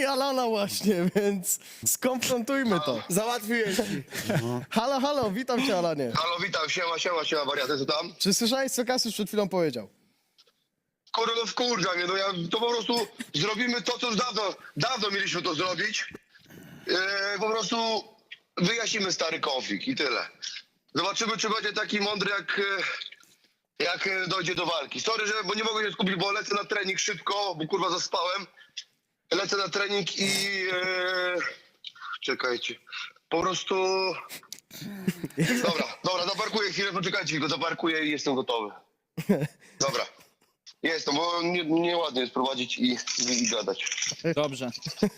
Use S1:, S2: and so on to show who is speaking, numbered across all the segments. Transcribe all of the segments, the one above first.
S1: Alana właśnie, więc skonfrontujmy to.
S2: Załatwiłeś ci.
S1: Halo, halo, witam cię, Alanie.
S3: Halo, witam, siema, wariaty, co tam?
S1: Czy słyszałeś, co Kasiusz przed chwilą powiedział?
S3: Kurde, no wkurza mnie, no ja to po prostu zrobimy to, co już dawno mieliśmy to zrobić. Po prostu wyjaśnimy stary konflikt i tyle. Zobaczymy, czy będzie taki mądry, jak dojdzie do walki. Sorry, bo nie mogę się skupić, bo lecę na trening szybko, bo kurwa zaspałem. Lecę na trening i... czekajcie. Po prostu... Dobra, zaparkuję chwilę, poczekajcie, tylko zaparkuję i jestem gotowy. Dobra. Jestem, bo nieładnie jest prowadzić i gadać.
S4: Dobrze.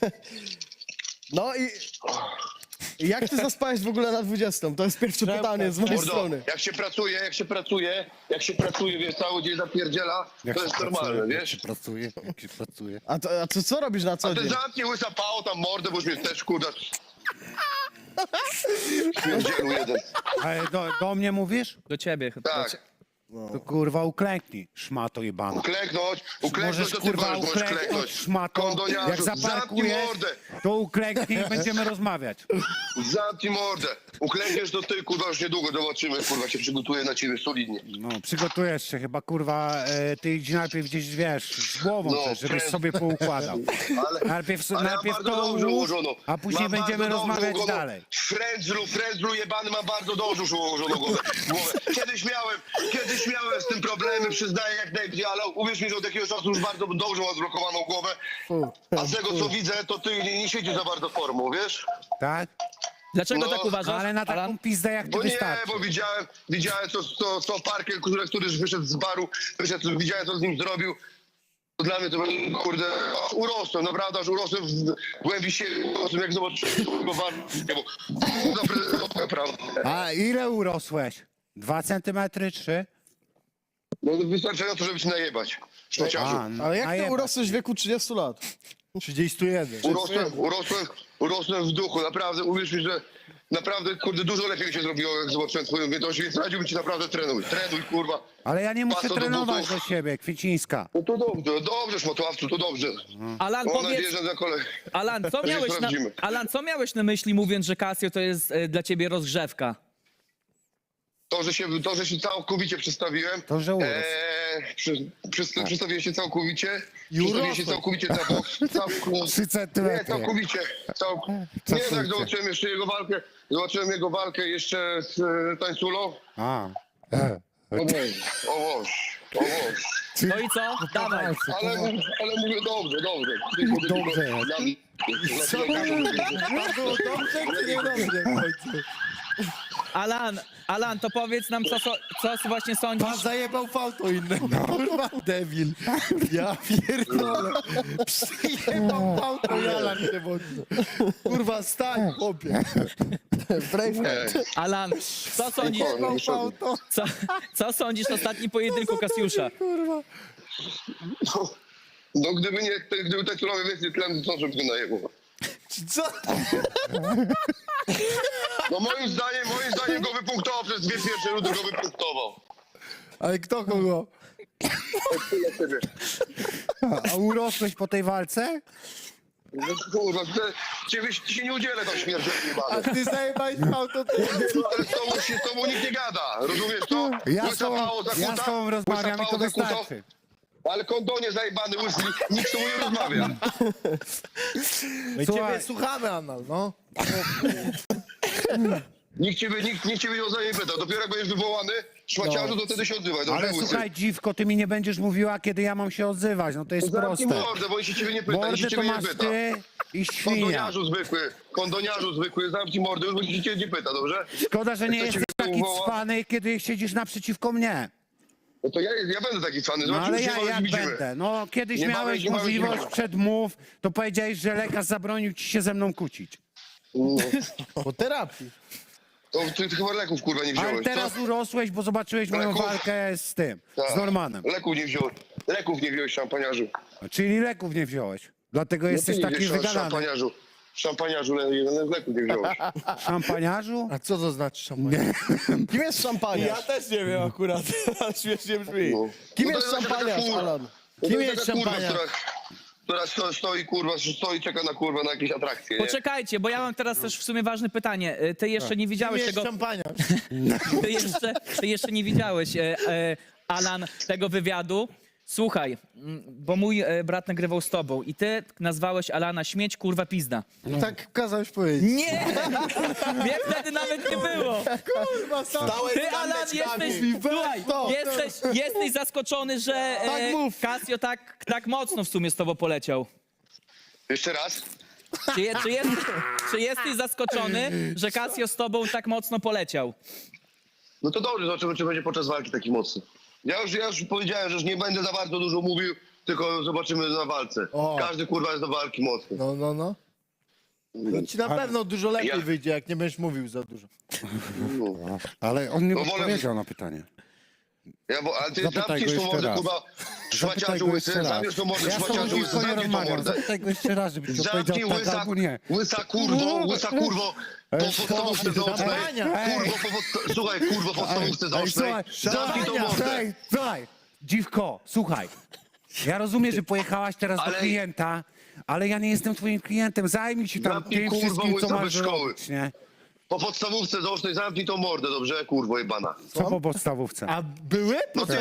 S1: No i jak ty zaspałeś w ogóle na 20? To jest pierwsze pytanie z mojej
S3: Mordo,
S1: strony.
S3: jak się pracuje, wiesz, cały dzień zapierdziela, to jest normalne, wiesz?
S2: Jak się pracuje.
S1: A co robisz na co
S3: A ty
S1: dzień?
S3: zamknij łysa pało tam mordę, bo już mnie też kurda. Śmierdzielu jeden.
S2: Ale do mnie mówisz?
S4: Do ciebie.
S3: Tak.
S2: To kurwa uklęknij, szmato jebana.
S3: Uklęknąć
S2: Możesz
S3: to ty
S2: kurwa
S3: możesz
S2: uklęknąć,
S3: klęknąć.
S2: szmato.
S3: Kondoniarzu,
S2: Jak
S3: zamknij
S2: zaparkujesz,
S3: mordę.
S2: to uklęknij i będziemy rozmawiać.
S3: Zamknij mordę. Uklękniesz to ty, kurwa, już niedługo zobaczymy, kurwa, się przygotuję na ciebie solidnie.
S2: No, przygotujesz się chyba, kurwa, ty idź najpierw gdzieś, wiesz, z głową
S3: No,
S2: też, żebyś
S3: pręd-
S2: sobie poukładał.
S3: Ale
S2: Najpierw
S3: ja
S2: najpierw
S3: bardzo
S2: to
S3: dobrze
S2: ułóż,
S3: ułożono.
S2: a później
S3: Mam
S2: będziemy
S3: bardzo dobrze
S2: rozmawiać
S3: ułożono.
S2: dalej.
S3: Frędzlu jebany, mam bardzo dobrze już ułożoną głowę. Kiedyś miałem z tym problemy, przyznaję jak najbardziej, ale uwierz mi, że od jakiegoś czasu już bardzo dobrze mam zblokowaną głowę. A z tego co widzę, to ty nie siedzisz za bardzo formą, wiesz?
S2: Tak?
S4: Dlaczego
S3: No,
S4: tak uważasz,
S2: Ale na taką
S4: Alan?
S2: pizdę jak ty
S3: Bo nie,
S2: wystarczy.
S3: bo widziałem co Parker, który wyszedł z baru, widziałem co z nim zrobił. To dla mnie to, kurde, urosłem, naprawdę, aż urosłem w głębi siebie, urosłem jak zobaczyłem go naprawdę.
S2: A ile urosłeś? 2 centymetry, 3?
S3: No wystarczająco, żeby się najebać. Szmaciarzu.
S1: Ale jak ty
S2: najebać.
S1: urosłeś w wieku 30 lat? 31.
S3: Urosłem w duchu, naprawdę, uwierz mi, że naprawdę, kurde, dużo lepiej mi się zrobiło, jak zobaczyłem twoją objętość, więc radziłbym ci naprawdę trenuj, kurwa.
S2: Ale ja nie muszę
S3: Paso do
S2: trenować
S3: butów.
S2: do siebie, Kwiecińska.
S3: No to dobrze, szmatławcu, to dobrze.
S4: Alan,
S3: Mam nadzieję,
S4: powiedz,
S3: że na kolej.
S4: Alan, co miałeś na myśli, mówiąc, że Casio to jest dla ciebie rozgrzewka?
S3: To, że się całkowicie przestawiłem.
S2: To, że urósł.
S3: Przestawiłem się całkowicie.
S1: I
S3: Przestawiłem się
S1: urosłeś.
S3: całkowicie na bok.
S2: 3
S3: Nie,
S2: centymetry.
S3: całkowicie. Nie, tak zobaczyłem jeszcze jego walkę. Zobaczyłem jego walkę jeszcze z Tańculą.
S2: A.
S3: O Boże.
S4: No i co? Dawaj.
S3: Ale mówię dobrze.
S2: Dobrze.
S1: Co było dobrze, czy niedobrze w końcu?
S4: Alan, to powiedz nam, co właśnie sądzisz.
S1: Pan zajebał fałto innego. Kurwa, debil. Ja pierdolę. Przyjebał fałto i Alan się wodzi. Kurwa, stań, chłopie. Braveheart.
S4: Alan, co sądzisz?
S3: Spokojnie,
S1: Fałto.
S4: Co sądzisz o ostatnim pojedynku Kasiusza?
S1: Kurwa.
S3: No gdyby Tańculowi więcej tlenu, to żeby go najebał.
S1: Co?
S3: No moim zdaniem go wypunktował przez 2 pierwsze rundy, go wypunktował.
S1: Ale kto kogo?
S3: Tyle ciebie.
S2: A urosłeś po tej walce?
S3: No kurwa, ci się nie udzielę tam śmierci
S1: A
S3: jebany.
S1: ty zajebałeś fałto, ty...
S3: Ale z tobą nikt nie gada, rozumiesz to?
S2: Ja z tobą rozmawiam i to wystarczy.
S3: Ale kondonie zajebany łysy, nikt z tobą nie rozmawia.
S1: My
S2: Słuchaj.
S1: ciebie słuchamy, Anal, no.
S3: Nikt ciebie o zdanie nie pyta. Dopiero jak będziesz wywołany, szmaciarzu, to wtedy się odzywaj. Dobrze,
S2: Ale
S3: łysy?
S2: słuchaj, dziwko, ty mi nie będziesz mówiła, kiedy ja mam się odzywać. No to jest
S3: Zamknij
S2: proste.
S3: mordę, bo się ciebie nie pyta, nikt
S2: Mordy
S3: się
S2: to
S3: ciebie nie
S2: masz
S3: pyta.
S2: ty i świnia.
S3: Kondoniarzu zwykły, zamknij mordę, już bo się ciebie nie pyta, dobrze?
S2: Szkoda, że nie
S3: Jak to
S2: jesteś
S3: cię
S2: taki
S3: wywoła?
S2: cwany, kiedy siedzisz naprzeciwko mnie.
S3: No to ja będę taki fany,
S2: No ale
S3: zobaczymy,
S2: ja
S3: się
S2: jak
S3: widzimy.
S2: będę? No kiedyś
S3: Nie
S2: miałeś
S3: mamy-
S2: możliwość
S3: nie
S2: przedmów, to powiedziałeś, że lekarz zabronił ci się ze mną kłócić.
S3: No,
S1: Po terapii.
S3: to ty chyba leków kurwa nie wziąłeś,
S2: Ale teraz
S3: co?
S2: urosłeś, bo zobaczyłeś moją
S3: Leków?
S2: walkę z tym,
S3: Tak.
S2: z Normanem.
S3: Leków nie wziąłeś, szampaniarzu.
S2: Czyli leków nie wziąłeś. Dlatego jesteś
S3: Ty nie
S2: taki
S3: wziąłeś
S2: wygadany.
S3: Szampaniarzu, leków nie wziąłeś.
S2: Szampaniarzu?
S1: A co to znaczy szampaniarz? Kim jest szampaniarz?
S5: Ja też nie wiem akurat, śmiesznie brzmi.
S3: No.
S1: Kim
S3: No to
S1: jest
S3: taka
S1: szampaniarz,
S3: kurwa.
S1: Alan?
S3: No to
S1: Kim
S3: jest
S1: jest
S3: taka kurwa,
S1: szampaniarz?
S3: która stoi, kurwa, czeka na, kurwa, na jakieś atrakcje, nie?
S4: Poczekajcie, bo ja mam teraz też w sumie ważne pytanie. Ty jeszcze nie widziałeś
S1: Jest
S4: tego...
S1: szampania.
S4: Ty jeszcze nie widziałeś, Alan, tego wywiadu. Słuchaj, bo mój brat nagrywał z tobą i ty nazwałeś Alana śmieć, kurwa, pizda.
S1: Tak kazałeś powiedzieć.
S4: Nie! Mnie wtedy nawet nie było.
S1: Kurwa, sam.
S4: Ty, Alan, słuchaj, jesteś zaskoczony, że
S1: Tak mów.
S4: Casio tak mocno w sumie z tobą poleciał.
S3: Jeszcze raz?
S4: Czy jesteś zaskoczony, że Casio z tobą tak mocno poleciał?
S3: No to dobrze, zobaczymy, czy będzie podczas walki taki mocny. Ja już powiedziałem, że już nie będę za bardzo dużo mówił, tylko zobaczymy na walce.
S1: O.
S3: Każdy, kurwa, jest do walki mocny.
S1: No. To ci na pewno dużo lepiej
S3: Ja-
S1: wyjdzie, jak nie będziesz mówił za dużo.
S3: No.
S2: Ale on nie
S3: No wolę-
S2: odpowiedział na pytanie.
S3: Ale ty
S2: Zapytaj
S3: zamkniesz
S2: go
S3: to
S2: jeszcze
S3: mordę,
S2: raz.
S3: kurwa,
S2: Zapytaj
S3: szmaciarzu
S2: go
S3: łysy,
S2: jeszcze raz.
S3: zamkniesz to mordę,
S2: Ja z tobą
S3: szmaciarzu łysy,
S2: dziwko nie
S3: zamknij to
S2: rozmawiam.
S3: mordę.
S2: Zapytaj go jeszcze raz, żeby ci
S3: Zamknij
S2: odpowiedział tak
S3: łysa,
S2: albo nie.
S3: łysa kurwo, po podstawówce zaocznej. Kurwo, słuchaj, kurwo, po podstawówce zaocznej. Zamknij to mordę.
S2: Słuchaj, dziwko, słuchaj. Ja rozumiem, że pojechałaś teraz do
S3: Ale-
S2: klienta, ale ja nie jestem twoim klientem. Zajmij się tam
S3: Zamknij,
S2: tym
S3: kurwa,
S2: wszystkim, co
S3: łysa
S2: masz
S3: bez szkoły.
S2: zrobić, nie?
S3: Po podstawówce zaocznej zamknij tą mordę, dobrze, kurwo jebana.
S2: Co po podstawówce?
S1: A były?
S3: No ty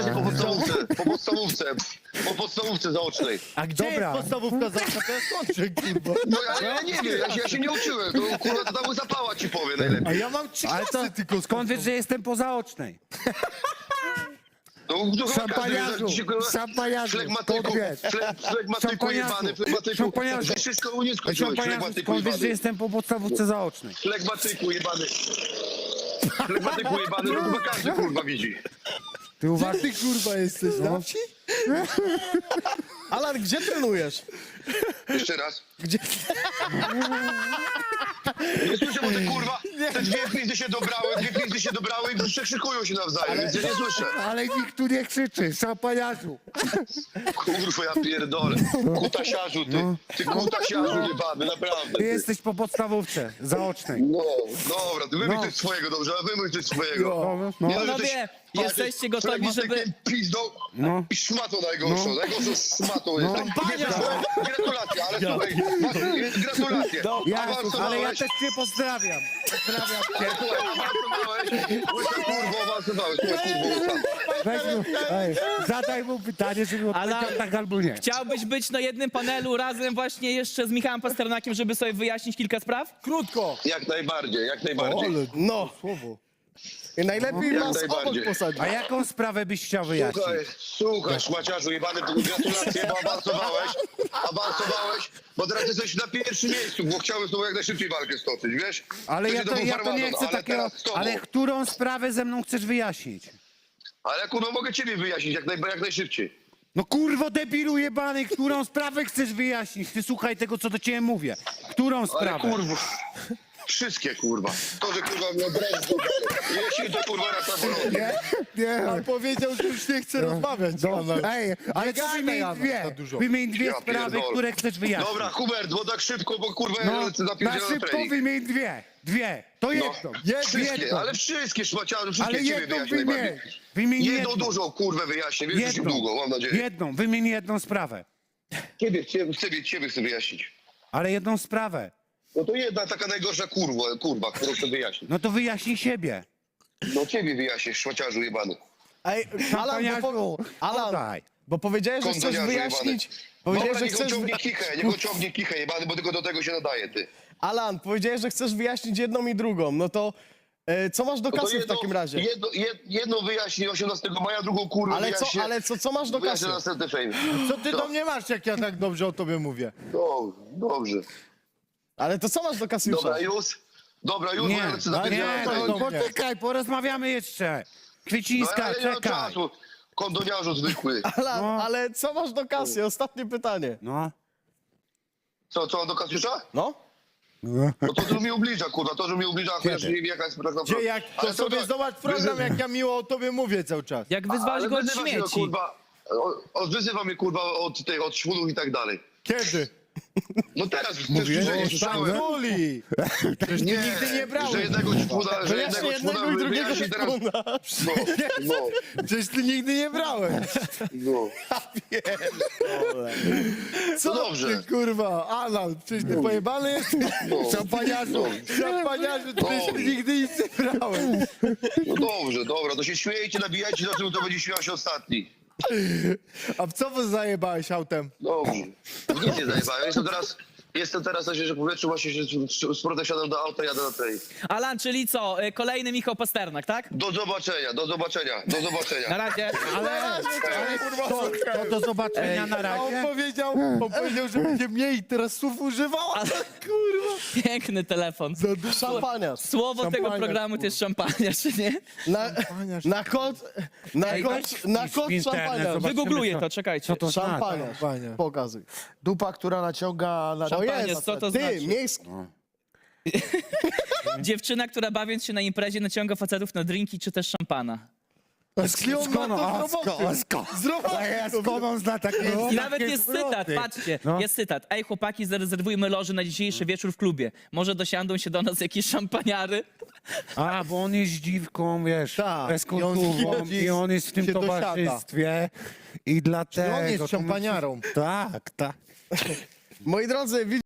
S3: po podstawówce zaocznej.
S1: A gdzie
S2: Dobra.
S1: jest podstawówka za to jest kończy, kurwa.
S3: No ja nie wiem, ja się nie uczyłem, to kurwa to tam zapała ci powie najlepiej.
S1: A ja mam 3
S2: Ale
S1: klasy
S2: to,
S1: tylko
S2: skąd wiesz, że jestem po zaocznej?
S3: No, to chyba
S2: Szampaniarzu,
S3: każdy, kurwa,
S2: szampaniarzu,
S3: flegmatyku,
S2: skąd wiesz?
S3: flegmatyku jebany, flegmatyku.
S2: Szampaniarzu.
S3: Ty wszystko nie skończyłeś,
S2: Szampaniarzu,
S3: flegmatyku
S2: skąd wiesz, że
S3: jebany.
S2: jestem po podstawówce zaocznej?
S3: Flegmatyku jebany. Flegmatyku jebany, to chyba każdy kurwa widzi.
S2: Ty
S1: Gdzie
S2: uważasz?
S1: ty kurwa jesteś, na wsi?
S5: Alan, gdzie trenujesz?
S3: Jeszcze raz.
S5: Gdzie?
S3: Nie słyszę, bo te kurwa, te dwie pizdy się dobrały i przekrzykują się nawzajem, więc ja nie słyszę.
S2: Ale nikt tu nie krzyczy, szampaniarzu.
S3: Kurwa, ja pierdolę. Kutasiarzu, ty kutasiarzu jebany, naprawdę.
S2: Ty
S3: Ty.
S2: jesteś po podstawówce zaocznej.
S3: No, dobra, ty wymyśl
S2: No.
S3: coś swojego, dobrze, ale wymyśl coś swojego.
S2: No.
S3: Nie, że
S4: Panowie,
S3: tyś
S4: jesteście gotowi, żeby...
S3: flegmatykiem, pizdą
S2: No.
S3: i szmatą najgorszą. Najgorszą szmatą jest. Gratulacje, ale słuchaj, gratulacje.
S2: Ale ja też cię pozdrawiam. Pozdrawiam cię.
S3: Słuchaj, awansowałeś, łysa kurwo, awansowałeś, słuchaj, kurwo, łysa.
S2: Weź mu, zadaj mu pytanie, żeby odpowiedział
S4: Ale-
S2: tak albo nie.
S4: Chciałbyś być na jednym panelu razem właśnie jeszcze z Michałem Pasternakiem, żeby sobie wyjaśnić kilka spraw?
S1: Krótko.
S3: Jak najbardziej, jak najbardziej.
S1: Ale
S5: No.
S1: słowo.
S5: I najlepiej
S3: Jak
S5: nas obok
S3: najbardziej.
S5: posadzić.
S2: A jaką sprawę byś chciał wyjaśnić?
S3: Słuchaj, szmaciarzu jebany, gratulacje, bo awansowałeś, bo teraz jesteś na pierwszym miejscu, bo chciałem z tobą jak najszybciej walkę stoczyć, wiesz?
S2: Ale ja
S3: Wcześniej
S2: to
S3: był
S2: nie
S3: farmazon,
S2: chcę
S3: ale
S2: takiego...
S3: teraz z tobą.
S2: Ale którą sprawę ze mną chcesz wyjaśnić?
S3: Ale kurwa, mogę ciebie wyjaśnić jak najszybciej.
S2: No kurwo debilu jebany, którą sprawę chcesz wyjaśnić? Ty słuchaj tego, co do ciebie mówię. Którą
S3: Ale
S2: sprawę?
S3: kurwa, wszystkie kurwa. To, że kurwa mnie obrazić, jeśli to kurwa raz na bolące.
S2: Nie.
S1: On powiedział, że już nie chce rozmawiać z panem.
S2: Ej, ale to
S1: gadaj,
S2: wymień
S1: Adam,
S2: dwie.
S1: za dużo.
S2: Wymień dwie
S3: Ja
S2: sprawy,
S3: pierdolę.
S2: które chcesz wyjaśnić.
S3: Dobra, Hubert, bo tak szybko, bo kurwa ja
S2: No,
S3: lecę na
S2: na
S3: pierdzielony
S2: szybko
S3: trening.
S2: wymień dwie. Dwie. To jedną.
S3: Wszystkie,
S2: jedną.
S3: ale wszystkie szmaciarze, wszystkie
S2: Ale
S3: ciebie
S2: jedną
S3: wyjaśnię
S2: wymień.
S3: najbardziej.
S2: Wymień
S3: Jedną
S2: jedną.
S3: dużą kurwę wyjaśnię, wiesz, już
S2: Jedną.
S3: długo, mam nadzieję.
S2: Jedną. Wymień jedną sprawę.
S3: Ciebie chcę wyjaśnić.
S2: Ale jedną sprawę.
S3: No to jedna taka najgorsza kurwa, którą chcę wyjaśnić.
S2: No to wyjaśnij siebie.
S3: No ciebie wyjaśnisz, szmaciarzu jebany.
S5: Ej, Alan,
S2: Daj.
S5: bo powiedziałeś, że chcesz
S3: Kondoniarzu
S5: wyjaśnić...
S3: jebany.
S5: Powiedziałeś,
S3: Dobra,
S5: że
S3: niech on
S5: chcesz...
S3: ciągnie kichę, niech on ciągnie kichę jebany, bo tylko do tego się nadaje, ty.
S5: Alan, powiedziałeś, że chcesz wyjaśnić jedną i drugą. No to co masz do
S3: No to
S5: kasy w takim razie?
S3: Jedną wyjaśni 18 maja, drugą kurwę wyjaśnię.
S5: Co masz do
S3: Wyjaśnię
S5: kasy?
S3: następny fejm.
S1: Co ty do mnie masz, jak ja tak dobrze o tobie mówię?
S3: Dobrze.
S5: Ale to co masz do kasy już?
S3: Dobra, już, bo
S2: Nie,
S3: ja lecę na
S2: nie,
S3: pierdzielony
S2: no,
S3: trening.
S2: poczekaj, porozmawiamy jeszcze.
S3: No,
S2: Kwiecińska,
S3: ale ja nie mam
S2: czekaj.
S3: czasu. Kondoniarzu zwykły.
S5: Alan,
S2: No.
S5: ale co masz do kasy? Ostatnie pytanie.
S2: No.
S3: Co mam do Kasiusza?
S5: No?
S3: No to mi ubliża, kurwa, to, że mi ubliża, chociaż nie wiem jaka jest tak naprawdę.
S1: Gdzie jak to
S3: Ale
S1: sobie
S3: tak,
S1: zobacz program, jak ja miło o tobie mówię cały czas.
S4: Jak wyzwałeś
S3: ale
S4: go od
S3: wyzywa się,
S4: śmieci.
S3: kurwa, wyzywa mnie kurwa od szwulów i tak dalej.
S1: Kiedy?
S3: No teraz
S2: Mówiłeś,
S3: też
S2: że
S3: słyszałem.
S1: Uli!
S2: Przecież ty nigdy nie brałeś.
S3: Że jednego ćpuna, że
S5: Wyjaśnię
S3: jednego
S5: jednego i drugiego
S3: wyjaśni teraz.
S5: ćpuna.
S3: No,
S1: Przecież ty nigdy nie brałeś.
S3: no.
S1: Co
S3: No dobrze.
S1: ty, kurwa? Alan, przecież ty pojebany jesteś?
S3: No.
S1: Szampaniarzu, szampaniarzu, przecież ty nigdy nic nie brałeś.
S3: No dobrze, dobra, to się śmiejcie, nabijajcie, na czym to będzie śmiał się ostatni.
S1: A w co wy zajebałeś autem?
S3: Dobrze. Nic nie zajebałem. Jestem teraz na świeżym powietrzu, właśnie się z portem siadam do auta, jadę na tej.
S4: Alan, czyli co? Kolejny Michał Pasternak, tak?
S3: Do zobaczenia, do zobaczenia, do
S4: Na
S3: zobaczenia.
S4: razie.
S2: To do zobaczenia na
S1: A
S2: razie.
S1: on powiedział, że będzie mniej teraz słów używał, ale kurwa.
S4: Piękny telefon.
S5: Szampaniarz.
S4: Słowo tego
S1: Szampaniarz,
S4: programu to jest szampaniarz, czy nie?
S5: Na kod
S2: w internet,
S5: szampaniarz.
S2: zobacz.
S4: Wygoogluję to, czekajcie.
S2: Co to znaczy?
S5: Szampaniarz.
S1: Szampaniarz.
S5: Pokazuj.
S1: Dupa, która naciąga na...
S5: To
S4: Szampaniarz,
S5: jest,
S4: co to
S5: ty,
S4: znaczy?
S5: miejski.
S4: Dziewczyna, która bawiąc się na imprezie naciąga facetów na drinki czy też szampana.
S1: Skąd ma to z roboty? Z roboty.
S2: Skąd on zna takie
S4: I nawet jest cytat, patrzcie,
S2: No.
S4: jest cytat. Ej chłopaki, zarezerwujmy loży na dzisiejszy wieczór w klubie. Może dosiądą się do nas jakieś szampaniary?
S2: A, bo on jest dziwką, wiesz,
S1: Tak.
S2: bez
S1: I on
S2: kulturą
S1: chodzi,
S2: i on jest w tym
S1: się dosiada.
S2: towarzystwie i dlatego...
S1: on jest
S2: to
S1: szampaniarą.
S2: Tak, tak.
S5: Moi drodzy,